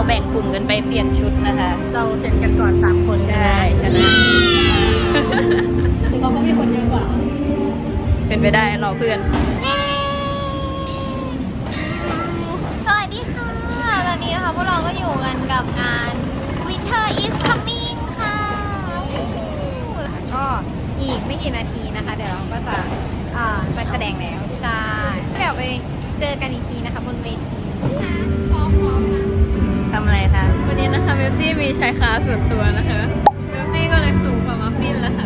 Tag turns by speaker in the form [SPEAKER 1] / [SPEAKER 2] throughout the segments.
[SPEAKER 1] แบ่งกลุ่มกันไปเปลี่ยนชุดนะคะ
[SPEAKER 2] เราเสร็จกันก่อน3 คน
[SPEAKER 1] ใช่ชนะ
[SPEAKER 2] ถึงเขาก็มีคนเยอะกว่า
[SPEAKER 1] เป็นไปได้รอเพื่อน
[SPEAKER 3] สวัสดีค่ะ ตอนนี้นะคะพวกเราก็อยู่กันกับงาน Winter is coming ค่ะ ก็อีกไม่กี่นาทีนะคะ เดี๋ยวเราก็จะไปแสดงแล้ว ใช่ เดี๋ยวไปเจอกันอีกทีนะคะบนเวที
[SPEAKER 1] ทำอะไรคะ
[SPEAKER 2] วันนี้นะคะบิวตี้มีชายคาส่วนตัวนะคะบิวตี้ก็เลยสูงกว่ามัฟฟินแล้วค่ะ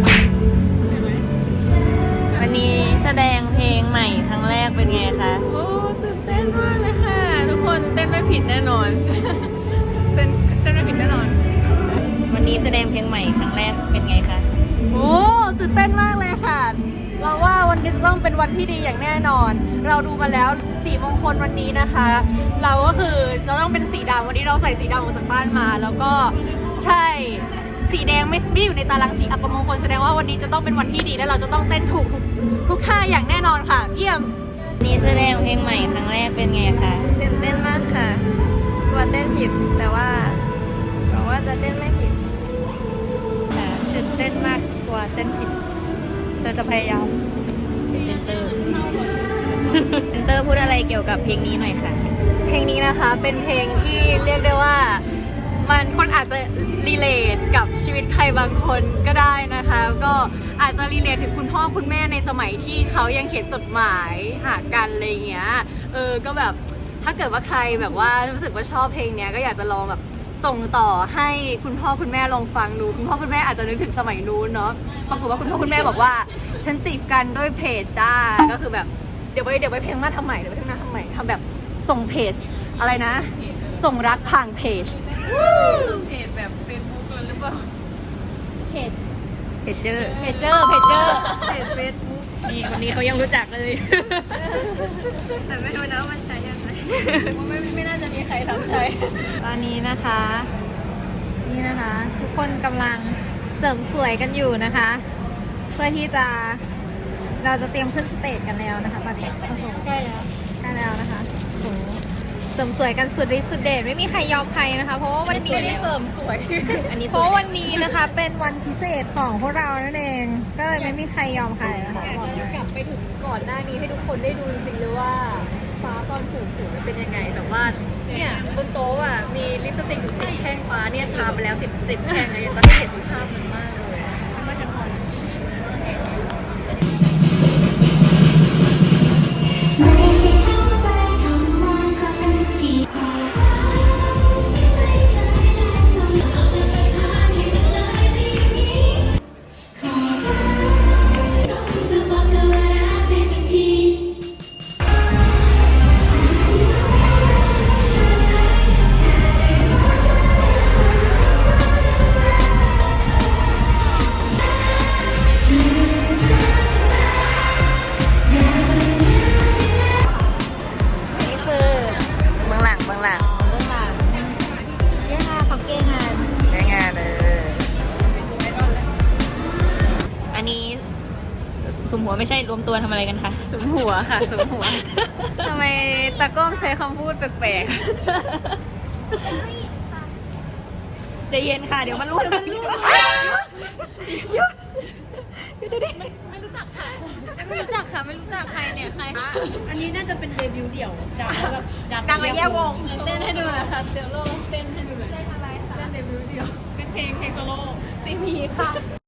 [SPEAKER 1] วันนี้แสดงเพลงใหม่ครั้งแรกเป็นไงคะ
[SPEAKER 2] โอ้ตื่นเต้นมากเลยค่ะ ทุกคนเต้นไม่ผิดแน่นอน เต้นไม่ผิดแน่นอน
[SPEAKER 1] วันนี้แสดงเพลงใหม่ครั้งแรกเป็นไงคะ
[SPEAKER 2] โอ้ตื่นเต้นมากเลยค่ะ เราว่าวันนี้จะต้องเป็นวันที่ดีอย่างแน่นอน เราดูมาแล้วสีมงคลวันนี้นะคะ เราก็คือจะต้องเป็นสีดำวันนี้เราใส่สีดำออกจากบ้านมา แล้วก็ใช่สีแดงไม่อยู่ในตารางสีอัปมงคลแสดงว่าวันนี้จะต้องเป็นวันที่ดีและเราจะต้องเต้นถูกทุกท่าอย่างแน่นอนค่ะ เยี่ยม
[SPEAKER 1] วันนี้แสดงเพลงใหม่ครั้งแรกเป็นไงคะ
[SPEAKER 2] ตื่นเต้นมากค่ะกลัวเต้นผิดแต่ว่าหวังว่าจะเต้นไม่ผิดค่ะตื่นเต้นมากกลัวเต้นผิดแต่จะพยายาม
[SPEAKER 1] เซนเตอร์ เซนเตอร์พูดอะไรเกี่ยวกับเพลงนี้หน่อยค่ะ
[SPEAKER 2] เพลงนี้นะคะเป็นเพลงที่เรียกได้ว่ามันคนอาจจะรีเลทกับชีวิตใครบางคนก็ได้นะคะก็อาจจะรีเลทถึงคุณพ่อคุณแม่ในสมัยที่เขายังเขียนจดหมายหากันอะไรเงี้ยก็แบบถ้าเกิดว่าใครแบบว่ารู้สึกว่าชอบเพลงเนี้ยก็อยากจะลองแบบส่งต่อให้คุณพ่อคุณแม่ลองฟังดูคุณพ่อคุณแม่อาจจะนึกถึงสมัยนู้นเนาะปรากฏว่าคุณพ่อคุณแม่บอกว่าฉันจีบกันด้วยเพจได้ก็คือแบบเดี๋ยวไปเพลงมาทำใหม่เดี๋ยวไปเพลงมาทำใหม่ทำแบบส่งเพจอะไรนะส่งรักผ่านเพจคือเพจแบบเฟซบุ๊กหรือเปล่าเพจ
[SPEAKER 1] เพจเจอร์
[SPEAKER 2] เพจเฟซบุ๊ก
[SPEAKER 1] นี่คนนี้เขายังรู้จักเลย
[SPEAKER 2] แต่ไม่รู้นะว่ามันใช้ยังไงไม่น่าจะมีใครทำใช้
[SPEAKER 3] ตอนนี้นะคะ นี่นะคะ ทุกคนกำลังเสริมสวยกันอยู่นะคะ เพื่อที่จะเราจะเตรียมขึ้นสเตจกันแล้วนะคะตอนนี้โอ้โห
[SPEAKER 2] ใกล้แล้ว
[SPEAKER 3] นะคะโอ้โหเสริมสวยกันสุดฤทธิ์สุดเดชไม่มีใครยอมใครนะคะ เพราะว่าวันนี้
[SPEAKER 2] เสริมสวย
[SPEAKER 1] อันนี้ส
[SPEAKER 3] เพ
[SPEAKER 1] วย
[SPEAKER 3] ราะวันนี้นะคะเป็นวันพิเศษของพวกเรานั่นเอง ก็เลยไม่มีใครยอมใครนะคะ
[SPEAKER 2] อยากจะกลับไปถึงก่อนหน้านี้ให้ทุกคนได้ดูจริงๆเลยว่าฟ้าตอนเสริมสวยเป็นยังไงแต่ว่าเนี่ยบนโต๊ะอ่ะมีลิปสติกอยู่10 แท่งฟ้าเนี่ยทาไปแล้ว10 แท่งเลยอยากจะให้เห็นสภาพมันมากเลยไม่ทันพอ
[SPEAKER 1] นี่คือเบื้องหลัง
[SPEAKER 3] เรื่องมาเย้ค่ะขอบเก้งาน
[SPEAKER 1] ได้งานเลยอันนี้สุมหัวไม่ใช่รวมตัวทำอะไรกันคะ
[SPEAKER 2] สุมหัวค่ะสุมหัว ทำไมตากล้องใช้คำพูดแปลก
[SPEAKER 1] ใจเย็นค่ะ เดี๋ยวมันรู้หยุด
[SPEAKER 3] ไม่รู้จักค่ะไม่รู้จักใครเนี่ยใคร
[SPEAKER 2] ๆ อันนี้น่าจะเป็นเดบิวต์เดี่ยวดังแบบ
[SPEAKER 3] ดังมาแยกวง
[SPEAKER 2] เต้นให้ดูนะคะเดี๋ยวเราเต้นให้ดูเลย
[SPEAKER 3] เต้นอะไรคะ
[SPEAKER 2] เต้นเดบิวต์เดี่ยวเป็นเพลงโซโล่
[SPEAKER 3] ไม่มีค่ะ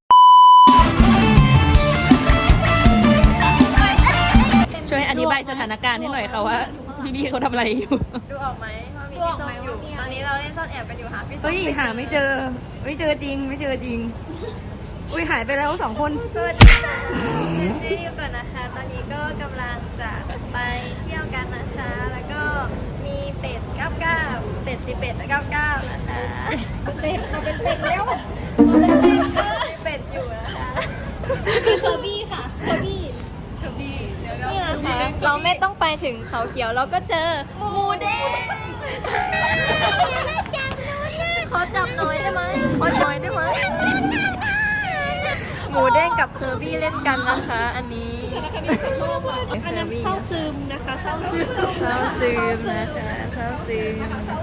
[SPEAKER 1] ช่วยอธิบายสถานการณ์ให้หน่อยค่ะว่าพี่ๆเขาทำอะไรอยู่
[SPEAKER 2] ดูออกไหมว่ามีพี่ส้มอยู่ตอนนี้เราเล่นซ่อนแอบกันอยู่หาพี่ส้ม
[SPEAKER 1] เฮ้ยหาไม่เจอจริง อุ้ยหายไปแล้ว2 คน
[SPEAKER 2] สวัสดีค่ะเจ๊อยู่ก่อนนะคะ ตอนนี้ก็กำลังจะไปเที่ยวกันนะคะ แล้วก็มีเป็ด99เป็ด11 99นะคะเป็ดเราเป็นเป็ดแล้วมีเป็ดอยู่นะคะ
[SPEAKER 3] มีเคอร์บี้ค่ะเคอร์บี้
[SPEAKER 2] นี่นะคะเราไม่ต้องไปถึงเขาเขียวเราก็เจอหมูเด้งขอจับหน่อยได้ไหมหมูเด้งกับเคอร์บี้เล่นกันนะคะ อันนี้อันนั้นเข้าซึมนะคะเข้าซึม
[SPEAKER 1] เข้าซึมนะคะเข้าซึม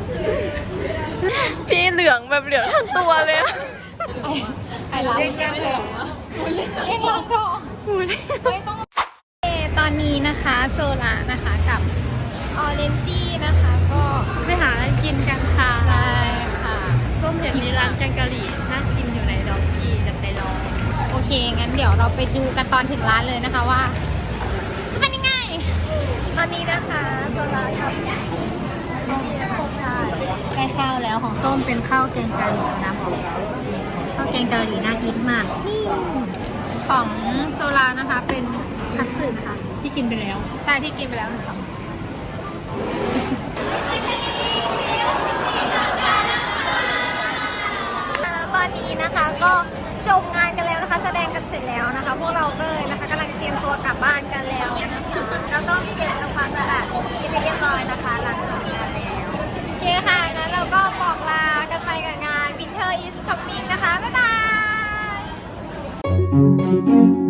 [SPEAKER 2] พี่เหลืองแบบเหลืองทั้งตัวเลยอะ
[SPEAKER 3] ไอ้ร้านเรียกร้านก่อนไม่ต้องตอนนี้นะคะโชลานะคะกับออเรนจี้นะคะก็
[SPEAKER 2] ไปหาอะไรกินกันค่ะ
[SPEAKER 3] ใช่ค่ะ
[SPEAKER 2] ส้มเห็นมีร้านแกงกะหรี่น่ากินอยู่ในดอกกี้จะไปลอง
[SPEAKER 3] โอเค งั้นเดี๋ยวเราไปดูกันตอนถึงร้านเลยนะคะว่าจะเป็นยังไง ตอนนี้นะคะโซลากับจีนะคะได้ข้าวแล้วของส้มเป็นข้าวแกงกะหรี่นะผมข้าวแกงกะหรี่น่ากินมากนี่ของโซลานะคะเป็นคัตสึนะคะ
[SPEAKER 2] ที่กินไปแล้ว
[SPEAKER 3] ใช่ที่กินไปแล้วนะคะแล้วตอนนี้นะคะก็จบงานกันแล้วนะคะ แสดงกันเสร็จแล้วนะคะ พวกเราก็เลยนะคะกำลังเตรียมตัวกลับบ้านกันแล้วนะคะแล้วก็เก็บทำความสะอาดที่เรียบร้อยนะคะหลังจากงานแล้วโอเคค่ะงั้นเราก็บอกลากันไปกับงาน Winter is Coming นะคะ บ๊ายบาย